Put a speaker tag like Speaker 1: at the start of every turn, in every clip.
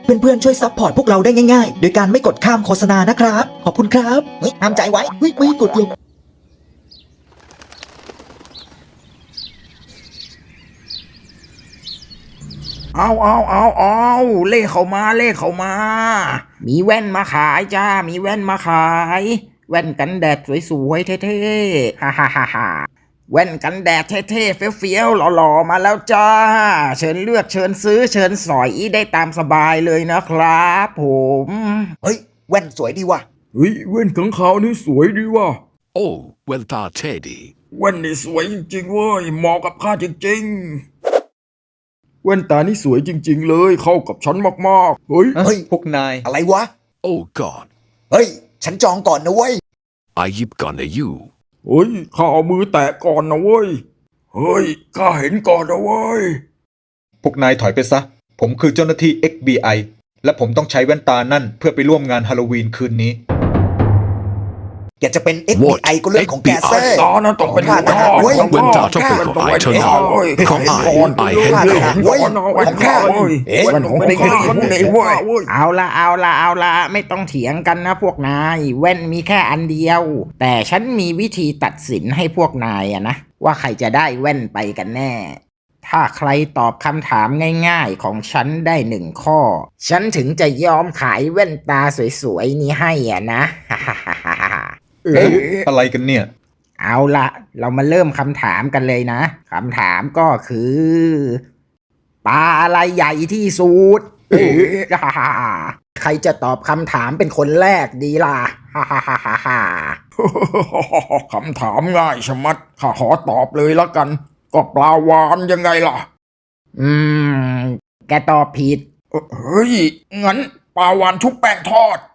Speaker 1: เพื่อนๆช่วยซัพพอร์ตพวกเราได้ง่ายๆโดยการไม่กดข้ามโฆษณานะครับขอบคุณครับเฮ้ยห้ามใจไว้เฮ้ยไม่กดลง
Speaker 2: เอาเลขเข้ามาเลขเข้ามามีแว่นมาขายจ้ามีแว่นมาขายแว่นกันแดดสวยๆเท่ๆฮ่าแว่นกันแดดเท่ๆเฟี้ยวๆหล่อๆมาแล้วจ้าเชิญเลือกเชิญซื้อเชิญสอยได้ตามสบายเลยนะครับผม
Speaker 1: เฮ้ยแว่นสวยดีว่ะ
Speaker 3: เฮ้ยแว่นขังขาวนี่สวยดีว่ะ
Speaker 4: Oh, well, Teddy.
Speaker 3: แว่นนี่สวยจริงๆเว้ยเหมาะกับข้าจริงๆแว่นตานี่สวยจริงๆเลยเข้ากับฉันมากๆเฮ้ย
Speaker 1: เฮ้ย
Speaker 5: พวกนาย
Speaker 1: อะไรวะ
Speaker 4: Oh, God.
Speaker 1: เฮ้ยฉันจองก่อนนะเว้ย
Speaker 4: I yip gonna you.
Speaker 3: เฮ้ยข้าเอามือแตะก่อนนะเว้ยเฮ้ยข้าเห็นก่อนนะเว้ย
Speaker 5: พวกนายถอยไปซะ ผมคือเจ้าหน้าที่ FBI และผมต้องใช้แว่นตานั่นเพื่อไปร่วมงานฮาโลวีนคืนนี้
Speaker 1: อยากจะเป็น FBI ก็เรื่องของแกเซ่
Speaker 3: ตานั้นต้องเป็น
Speaker 1: ข้าทหารเว้ย
Speaker 3: ของ
Speaker 4: When
Speaker 3: ข้า
Speaker 4: Tata Pickle, I turn
Speaker 3: เฮ้ย
Speaker 4: on. Come
Speaker 3: เห็นก่อน
Speaker 4: I
Speaker 3: เห็น
Speaker 4: hand
Speaker 3: ก่อน
Speaker 4: on.
Speaker 1: เว้ย
Speaker 3: ของข้าเว้ย
Speaker 1: เอ๊ะ
Speaker 3: แว่นของไม่ได้ขึ้นนี่เว้ย
Speaker 2: เอาละไม่ต้องเถียงกันนะพวกนายแว่นมีแค่อันเดียวแต่ฉันมีวิธีตัดสินให้พวกนายอะนะว่าใครจะได้แว่นไปกันแน่ถ้าใครตอบคำถามง่ายๆของฉันได้1 ข้อฉันถึงจะยอมขายแว่นตาสวยๆนี้ให้อ่ะนะ
Speaker 5: เอ๊ะอะไรกันเนี่ย
Speaker 2: เอาละเรามาเริ่มคำถามกันเลยนะคำถามก็คือปลาอะไรใหญ่ที่สุด ใครจะตอบคำถามเป็นคนแรกดีล่ะ
Speaker 3: คำถามง่ายชะมัดข้าขอตอบเลยละกัน ก็ปลาวาฬยังไงล่ะ
Speaker 2: อืม แกตอบผิด
Speaker 3: เฮ้ยงั้นปลาวาฬชุบแป้งทอด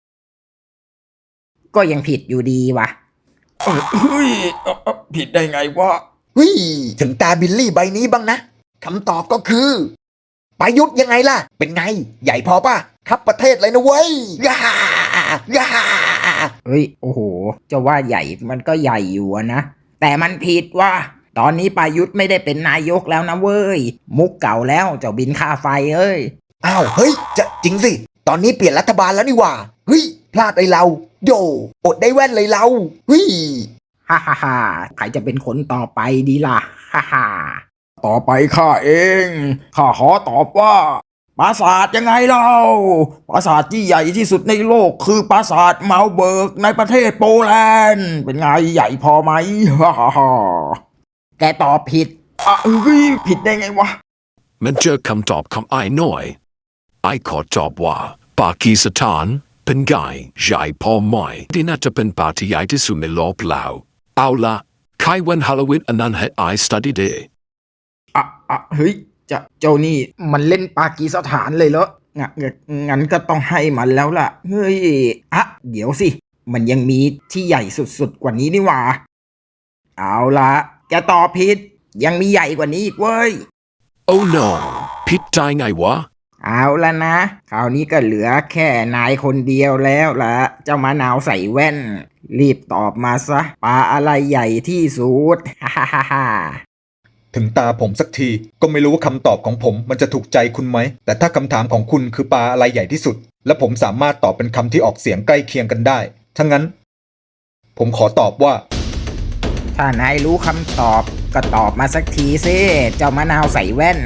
Speaker 2: ก็ยังผิดอยู่ดีวะ
Speaker 3: เฮ้ยผิดได้ไงวะ
Speaker 1: เฮ้ยถึงตาบิลลี่ใบนี้บ้างนะคำตอบก็คือประยุทธ์ยังไงล่ะ เป็นไง ใหญ่พอป่ะครับประเทศเลยนะเว้ยย่าย่า
Speaker 2: เฮ้ย โอ้โห จะว่าใหญ่มันก็ใหญ่อยู่อะนะ แต่มันผิดว่า ตอนนี้ประยุทธ์ไม่ได้เป็นนายกแล้วนะเว้ย มุกเก่าแล้วเจ้าบินค่าไฟเอ้ย
Speaker 1: อ้าวเฮ้ยจะจริงสิตอนนี้เปลี่ยนรัฐบาลแล้วนี่หว่าเฮ้ยพลาดเลยเราโยอดได้แว่นเลยเราเฮ้ย
Speaker 2: ใครจะเป็นคนต่อไปดีล่ะ
Speaker 3: ต่อไปข้าเองข้าขอตอบว่าปราสาทยังไงเล่าปราสาทที่ใหญ่ที่สุดในโลกคือปราสาทเมาเบิร์กในประเทศโปแลนด์เป็นไงใหญ่พอไหม
Speaker 2: แกตอบผิด
Speaker 3: เฮ้ยผิดได้ไงวะ
Speaker 4: Men jerk come top come I noi. I caught top wa. Paki Satan. Pengai. Jai Paul Moi. Dinata pen party I disume lop lao. Aula. Kai when Halloween anan he I studied it.
Speaker 3: เฮ้ยเจ้านี่มันเล่นปากีสถานเลยเหรองั้นก็ต้องให้มันแล้วล่ะเฮ้ย
Speaker 2: เดี๋ยวสิ มันยังมีที่ใหญ่สุดๆกว่านี้นี่หว่า เอาละแกตอบผิด ยังมีใหญ่กว่านี้อีกเว้ย
Speaker 4: Oh no. Pit dai ngai wa.
Speaker 2: เอาละนะ คราวนี้ก็เหลือแค่นายคนเดียวแล้วละเจ้ามะนาวใส่แว่น รีบตอบมาซะปลาอะไรใหญ่ที่สุด
Speaker 5: ถึงตาผมสักทีก็ไม่รู้ว่าคำตอบของผมมันจะถูกใจคุณไหมแต่ถ้าคำถามของคุณคือปลาอะไรใหญ่ที่สุดและผมสามารถตอบเป็นคำที่ออกเสียงใกล้เคียงกันได้ถ้างั้น ผมขอตอบว่า
Speaker 2: ถ้านายรู้คำตอบก็ตอบมาสักทีสิเจ้ามะนาวใส่แว่น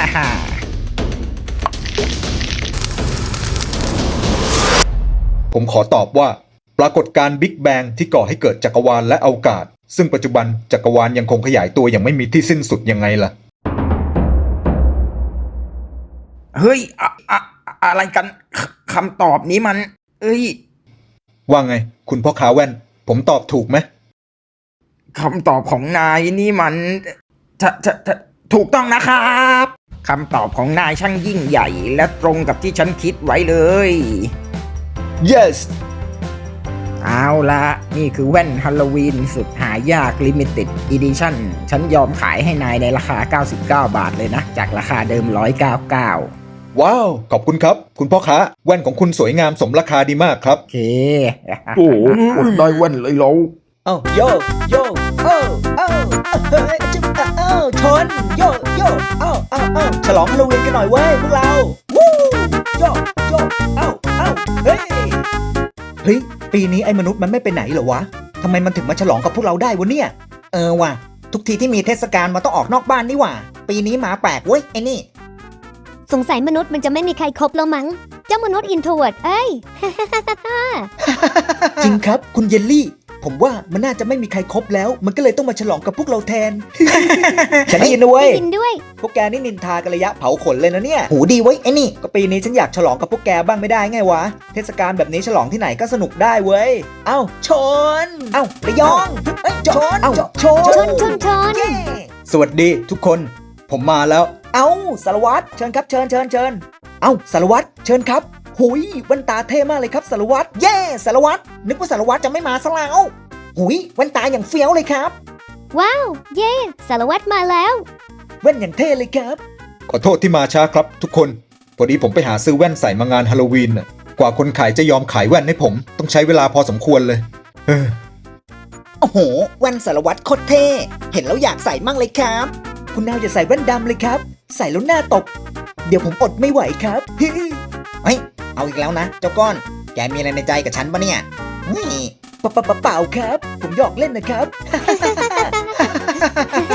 Speaker 5: ผมขอตอบว่า ปรากฏการณ์บิ๊กแบงที่ก่อให้เกิดจักรวาลและอวกาศซึ่งปัจจุบันจักรวาลยังคงขยายตัวอย่างไม่มีที่สิ้นสุดยังไงล่ะ
Speaker 2: เฮ้ยอะไรกันคำตอบนี้มัน เอ้ย
Speaker 5: ว่าไง คุณพ่อค้าแว่น ผมตอบถูกไหม
Speaker 2: คำตอบของนายนี่มันถูกต้องนะครับคำตอบของนายช่างยิ่งใหญ่และตรงกับที่ฉันคิดไว้เลย
Speaker 5: yes
Speaker 2: เอาละนี่คือแว่นฮาโลวีนสุดหายาก Limited Edition ฉันยอมขายให้นายในราคา99 บาทเลยนะ จากราคาเดิม199
Speaker 5: ว้าว ขอบคุณครับ คุณพ่อค้าแว่นของคุณสวยงามสมราคาดีมากครับ
Speaker 2: โอเค
Speaker 3: โอ้อดได้แว่นเลยเรา
Speaker 1: เอ้าโยโยเอ้าเอ้าเฮ้ยจุ๊บเอ้าชนโยโยเอ้าฉลองฮาโลวีนกันหน่อยเว้ยพวกเราวู้โยโยกโยกเอ้าเฮ้ย เฮ้ย ปีนี้ไอ้มนุษย์มันไม่ไปไหนเหรอวะ ทำไมมันถึงมาฉลองกับพวกเราได้วะเนี่ย ว่ะ ทุกทีที่มีเทศกาลมันต้องออกนอกบ้านนี่หว่า ปีนี้หมาแปลกเว้ยไอ้นี่
Speaker 6: สงสัยมนุษย์มันจะไม่มีใครครบแล้วมั้ง เจ้ามนุษย์อินโทรเวิร์ดเอ้ย
Speaker 1: จริงครับ คุณเยลลี่ ผมว่ามันน่าจะไม่มีใครครบแล้ว มันก็เลยต้องมาฉลองกับพวกเราแทน ฉันได้ยินด้วย
Speaker 6: ได้ยินด้วย
Speaker 1: พวกแกนี่นินทากันระยะเผาขนเลยนะเนี่ย หูดีไว้ยไอ้นี่ ก็ปีนี้ฉันอยากฉลองกับพวกแกบ้างไม่ได้ไงวะ เทศกาลแบบนี้ฉลองที่ไหนก็สนุกได้เว้ย เอ้าชน เอ้าระยองเอ้ยชน เอ้าชน
Speaker 6: ชน
Speaker 1: เย้สวัสดีทุกคน ผมมาแล้ว เอ้าสารวัตรเชิญครับเชิญ เอ้าสารวัตรเชิญครับหุยแว่นตาเท่มากเลยครับสารวัตรเย้สารวัตรนึกว่าสารวัตรจะไม่มาซะแล้วหุยแว่นตาอย่างเฟี้ยวเลยครับ
Speaker 6: ว้าว เย่สารวัตรมาแล้ว
Speaker 1: แว่นอย่างเท่เลยครับ
Speaker 5: ขอโทษที่มาช้าครับทุกคน พอดีผมไปหาซื้อแว่นใส่มางานฮาโลวีนน่ะกว่าคนขายจะยอมขายแว่นให้ผม ต้องใช้เวลาพอสมควรเลย
Speaker 1: โอ้โหแว่นสารวัตรโคตรเท่เห็นแล้วอยากใส่มั่งเลยครับ คุณนาวอย่าใส่แว่นดำเลยครับ ใส่แล้วหน้าตก เดี๋ยวผมอดไม่ไหวครับ เฮ้ยเอาอีกแล้วนะ เจ้าก้อน แกมีอะไรในใจกับฉันปะเนี่ยนี่เปล่าครับ ผมหยอกเล่นนะครับ